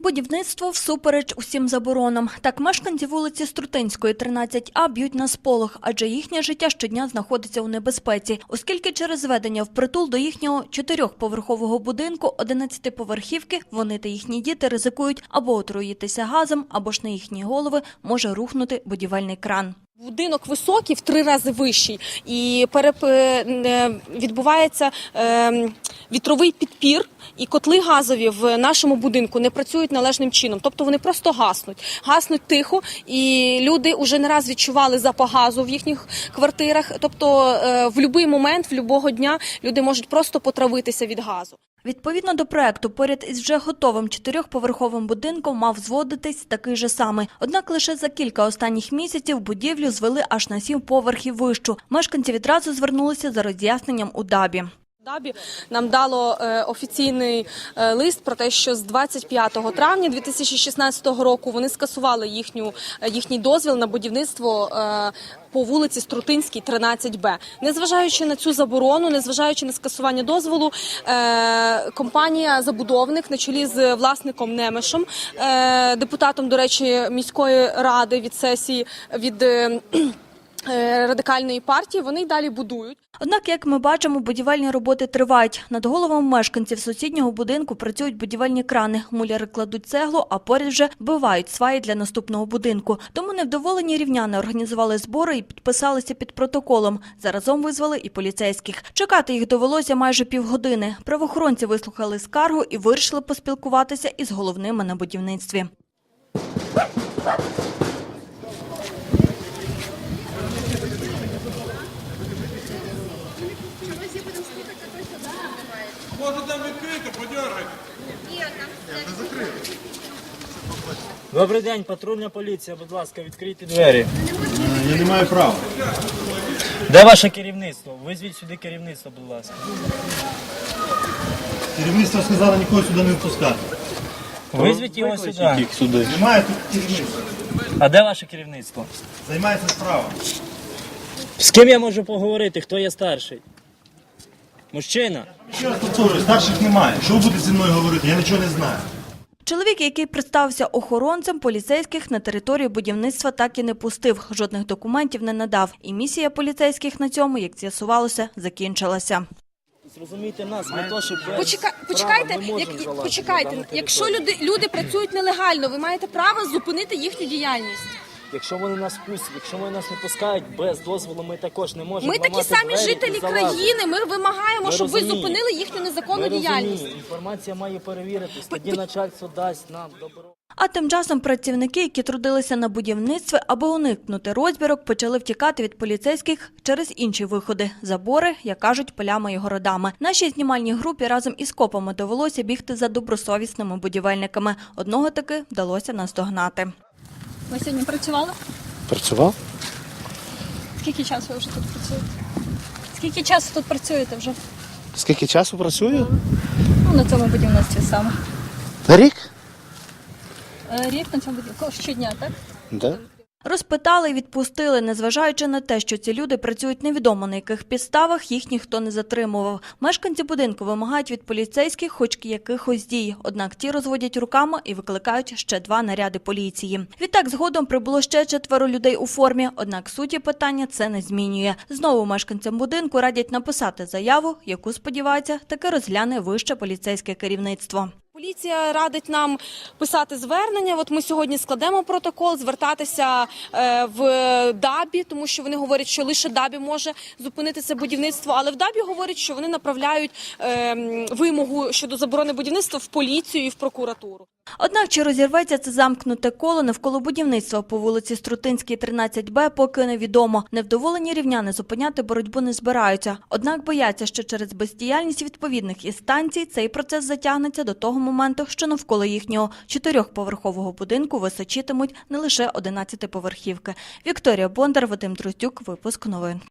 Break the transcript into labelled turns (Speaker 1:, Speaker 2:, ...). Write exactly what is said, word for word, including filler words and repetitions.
Speaker 1: Будівництво всупереч усім заборонам. Так мешканці вулиці Струтинської, тринадцять А б'ють на сполох, адже їхнє життя щодня знаходиться у небезпеці, оскільки через зведення впритул до їхнього чотирьохповерхового будинку одинадцятиповерхівки вони та їхні діти ризикують або отруїтися газом, або ж на їхні голови може рухнути будівельний кран.
Speaker 2: Будинок високий, в три рази вищий, і переп... відбувається е... вітровий підпір, і котли газові в нашому будинку не працюють належним чином, тобто вони просто гаснуть. Гаснуть тихо, і люди вже не раз відчували запах газу в їхніх квартирах, тобто е... в будь-який момент, в будь-якого дня люди можуть просто потравитися від газу.
Speaker 1: Відповідно до проекту, поряд із вже готовим чотирьохповерховим будинком мав зводитись такий же самий. Однак лише за кілька останніх місяців будівлю звели аж на сім поверхів вищу. Мешканці відразу звернулися за роз'ясненням у ДАБІ.
Speaker 2: ДАБІ нам дало е, офіційний е, лист про те, що з двадцять п'ятого травня дві тисячі шістнадцятого року вони скасували їхню, е, їхній дозвіл на будівництво е, по вулиці Струтинській, тринадцять Б. Незважаючи на цю заборону, незважаючи на скасування дозволу, е, компанія-забудовник на чолі з власником Немешем, е, депутатом, до речі, міської ради від сесії, від е, Радикальної партії, вони й далі будують.
Speaker 1: Однак, як ми бачимо, будівельні роботи тривають. Над головами мешканців сусіднього будинку працюють будівельні крани. Муляри кладуть цеглу, а поряд вже вбивають сваї для наступного будинку. Тому невдоволені рівняни організували збори і підписалися під протоколом. Заразом визвали і поліцейських. Чекати їх довелося майже півгодини. Правоохоронці вислухали скаргу і вирішили поспілкуватися із головними на будівництві.
Speaker 3: Може там відкрито, подергайте. Ні, не закрито.
Speaker 4: Добрий день, патрульна поліція, будь ласка, відкрийте двері.
Speaker 3: Я не маю права.
Speaker 4: Де ваше керівництво? Визвіть сюди керівництво, будь ласка.
Speaker 3: Керівництво сказало нікого сюди не впускати.
Speaker 4: Визвіть його сюди.
Speaker 3: сюди. Немає тут керівництва.
Speaker 4: А де ваше керівництво?
Speaker 3: Займається справа.
Speaker 4: З ким я можу поговорити? Хто є старший? Мужчина?
Speaker 3: Ще раз повторюю, старших немає. Що ви будете зі мною говорити? Я нічого не знаю.
Speaker 1: Чоловік, який представився охоронцем, поліцейських на територію будівництва так і не пустив. Жодних документів не надав. І місія поліцейських на цьому, як з'ясувалося, закінчилася.
Speaker 4: Зрозумійте нас, ми то, що без
Speaker 2: Почека...
Speaker 4: права
Speaker 2: Почекайте,
Speaker 4: не можемо
Speaker 2: як...
Speaker 4: залазити
Speaker 2: почекайте.
Speaker 4: на дану
Speaker 2: Якщо
Speaker 4: територію.
Speaker 2: люди, люди працюють нелегально, ви маєте право зупинити їхню діяльність.
Speaker 4: Якщо вони нас пустять, якщо вони нас не пускають без дозволу, ми також не можемо
Speaker 2: Ми такі
Speaker 4: ламати
Speaker 2: самі
Speaker 4: двері
Speaker 2: жителі
Speaker 4: і залазити.
Speaker 2: країни, ми вимагаємо,
Speaker 4: Ми
Speaker 2: щоб ви
Speaker 4: розуміємо.
Speaker 2: зупинили їхню незаконну
Speaker 4: Ми
Speaker 2: діяльність.
Speaker 4: розуміємо, інформація має перевіритись, тоді начальство дасть нам добро.
Speaker 1: А тим часом працівники, які трудилися на будівництві, аби уникнути розбірок, почали втікати від поліцейських через інші виходи – забори, як кажуть, полями і городами. Нашій знімальній групі разом із копами довелося бігти за добросовісними будівельниками. Одного таки вдалося наздогнати.
Speaker 5: Ви сьогодні працювали?
Speaker 6: Працював?
Speaker 5: Скільки часу ви вже тут працюєте? Скільки часу тут працюєте вже?
Speaker 6: Скільки часу працюю?
Speaker 5: Ну, на цьому будівництві саме.
Speaker 6: Рік?
Speaker 5: Е, Рік на цьому будівництві. Щодня, так?
Speaker 6: Да.
Speaker 1: Розпитали і відпустили, незважаючи на те, що ці люди працюють невідомо на яких підставах, їх ніхто не затримував. Мешканці будинку вимагають від поліцейських хоч якихось дій, однак ті розводять руками і викликають ще два наряди поліції. Відтак згодом прибуло ще четверо людей у формі, однак суті питання це не змінює. Знову мешканцям будинку радять написати заяву, яку, сподіваються, таки розгляне вище поліцейське керівництво.
Speaker 2: Поліція радить нам писати звернення. От ми сьогодні складемо протокол, звертатися е, в ДАБІ, тому що вони говорять, що лише ДАБІ може зупинити це будівництво. Але в ДАБІ говорять, що вони направляють е, вимогу щодо заборони будівництва в поліцію і в прокуратуру.
Speaker 1: Однак, чи розірветься це замкнуте коло навколо будівництва по вулиці Струтинській, тринадцять Б, поки невідомо. Невдоволені рівняни зупиняти боротьбу не збираються. Однак бояться, що через бездіяльність відповідних інстанцій цей процес затягнеться до того моменту, що навколо їхнього чотирьохповерхового будинку височитимуть не лише одинадцятиповерхівки. Вікторія Бондар, Вадим Дроздюк, випуск новин.